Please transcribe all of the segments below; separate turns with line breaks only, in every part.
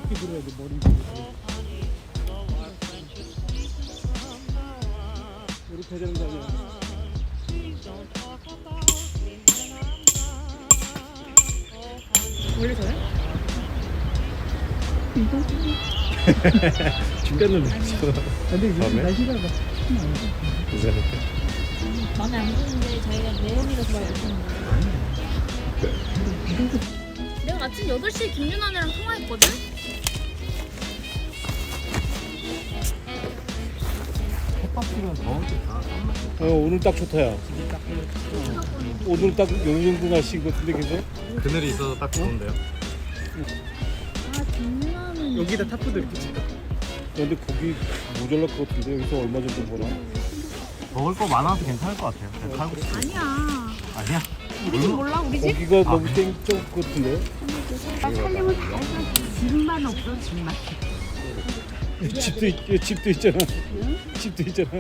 이렇게 들어야 돼 머리 위로. 이렇게 해야 되는 거 아니야?
원래 저래?
죽겠는데. 근데 이제
다음에?
날씨가 막
이상할까?
마음에 안 드는데 자기가 매형이라서 말 못하는 거야. 내가 아침 8시에 김윤환이랑 통화했거든?
햇박지면 더울 때다
오늘 딱 좋다야. 오늘 딱 어느 정도 날씨인 것 같은데 계속.
그늘이 있어서 딱 좋은데요.
아, 김윤환은.
여기다 타프도 이렇게 칠까? 근데 거기 모자랄 것 같은데 여기서 얼마 정도 보나?
먹을 거 많아서 괜찮을 것 같아요. 그냥 칼국수.
아니야.
아니야?
우리 집 몰라, 우리 집?
거기가 너무 땡쩍 것 같은데?
살림은 다 해서 집만 없어 집만.
집도 있잖아. 집도 있잖아.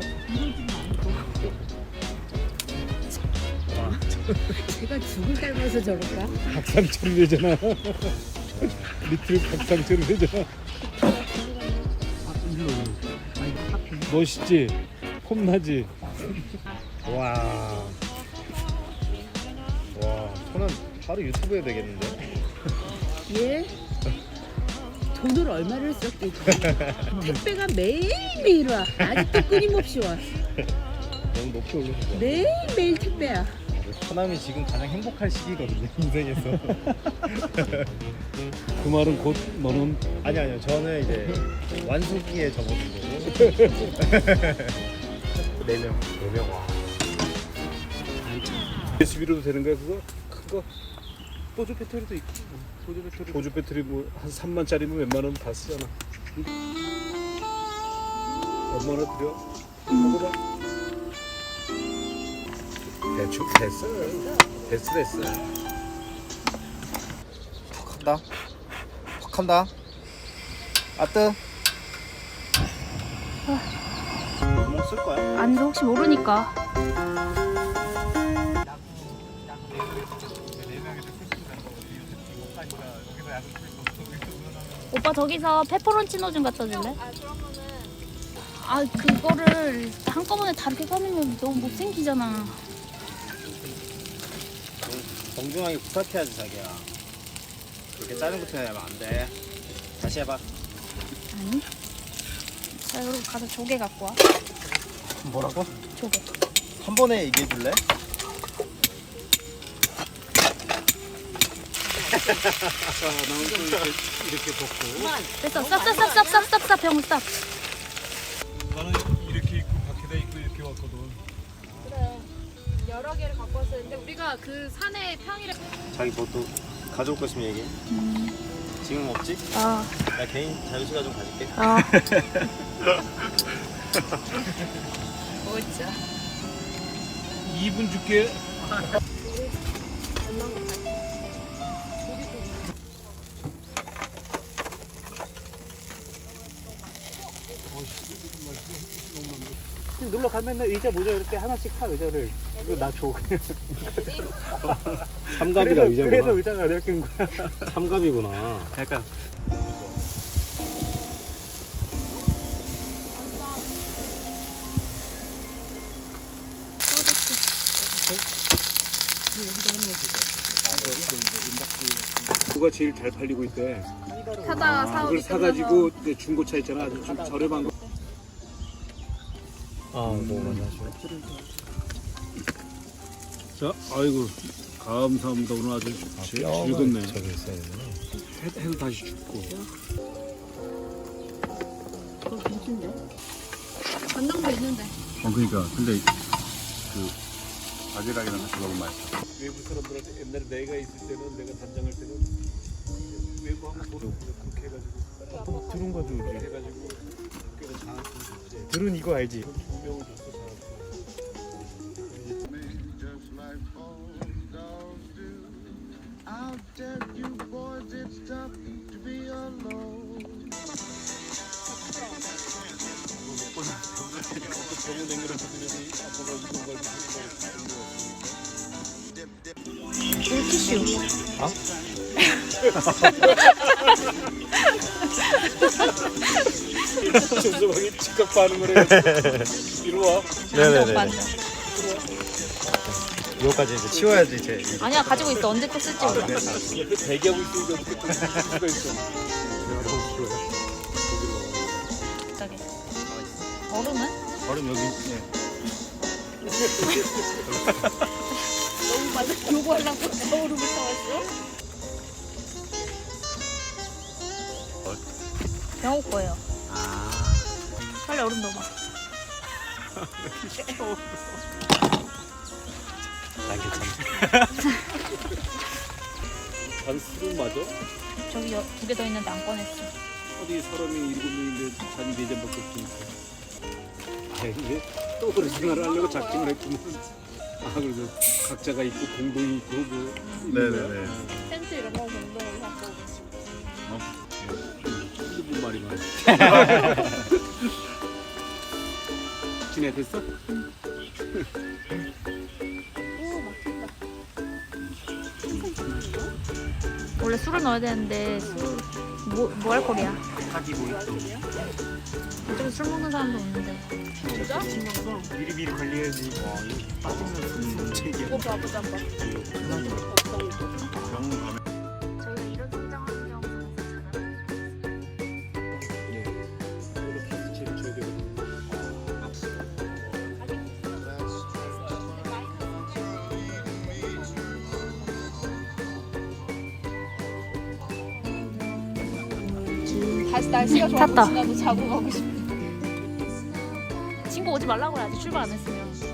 제가 죽을 닮아서 저럴까?
박상철이 되잖아. 리틀 박상철이 되잖아. 멋있지? 폼나지?
와. 와, 저는 바로 유튜브에 되겠는데?
예? 돈을 얼마를 썼겠지? 택배가 매일매일 와. 아직도 끊임없이 와.
너무 높게 올려서 좋아.
매일매일 택배야.
처남이 지금 가장 행복할 시기거든요, 인생에서.
그 말은 곧 너는
아니요. 저는 이제 완숙기에 접어든 거고. 4명. 와.
USB로도 되는 거야 그거? 큰 거? 보조 배터리도 있고. 보조 배터리 뭐 한 3만짜리면 웬만하면 다 쓰잖아. 얼마나 들여? 먹어봐. 대충 됐어.
퍽 한다. 아뜨. 뭐 쓸 거야?
아니, 혹시 모르니까. 오빠 저기서 페퍼론치노 좀 갖다 줄래? 아, 그거를 한꺼번에 다 이렇게 꺼내면 너무 못생기잖아.
정중하게 부탁해야지 자기야. 그렇게 짜는 부터 하면 안 돼. 다시 해봐.
아니. 자, 여러분 가서 조개 갖고 와.
뭐라고?
조개.
한 번에 얘기해 줄래?
자, 나온 거 이렇게 벗고.
됐어. 쌉 병 쌉.
나는 이렇게 입고 밖에다 입고 이렇게 왔거든.
그래. 여러 개를 갖고 왔어요. 근데 우리가 그 산에 평일에.
자기 뭐 또 가져올 거 있으면 얘기해. 지금 없지?
아.
나 개인 자유시간 좀 가질게.
아. 뭐지?
2분 줄게. 놀러 가면 의자 모자 이렇게 하나씩 타 의자를. 이거 나 줘.
삼갑이가 의자구나.
그래서 의자가 이렇게 인 거야.
삼갑이구나.
약간. 그거가 제일 잘 팔리고 있대.
사다가 사오기
그걸 사가지고 이제 중고차 있잖아. 아주 좀 저렴한 거.
너무 많이 하시네.
자, 아이고 감사합니다. 오늘 아주 즐겁네.
저기 있어야 되나?
해도 다시 죽고.
그거 괜찮은데?
전당도 있는데.
그러니까 근데 그 바지락이랑 같이 먹으면 맛있어. 외부 사람들한테 옛날에 내가 있을 때는 내가 단장할 때는 외부 한번 보러 그렇게 해가지고 들은 거죠. 해가지고 학교에서 장학금 줬지. 들은 이거 알지? 두 명을 줬어 장학금.
Just like all dogs do. I'll tell you boys it's tough to be alone.
병원 냉면을 주더니 아빠가 이건 걸
물티슈.
아?
즉각 반응을 해. 이리 와.
네네네.
완전.
이거까지 이제 치워야지 이제.
아니야 가지고 있어. 언제 또 쓸지 몰라.
옆에 대기하고 있으니까 어떻게 또 쓸 수가 있어.
갑자기. 얼음은?
얼음 여기. 네.
너무 많아. 요거 하려고 얼음을 사왔어? 영호 거예요.
아.
빨리 얼음 넣어봐.
난 괜찮아.
잔 술을 마저?
저기 2개 더 있는데 안 꺼냈어.
어디 사람이 7명인데 잔이 4잔밖에 없으니까. 아 이게 또 그런 생활을 하려고 작정을 했구만. 아 그래서 각자가 있고 공동이 있고 뭐.
네네네.
텐트 이런 거 공동으로 하고.
무슨 말이 많아. 지내 됐어?
오 막힌다. 원래 술을 넣어야 되는데 뭐 알코올이야? 이쪽에 술 먹는 사람도 없는데. 진짜?
미리 관리해야지. 와 이거 빠지면 문제야.
이거 봐보자 한번.
병원 가면.
저희가 이런 성장하는 경우는
이렇게 해서 줘야 되거든.
다시 날씨가 좋아서
탔다.
지나도 자고 가고 싶어. 친구 오지 말라고 해야지 출발 안 했으면.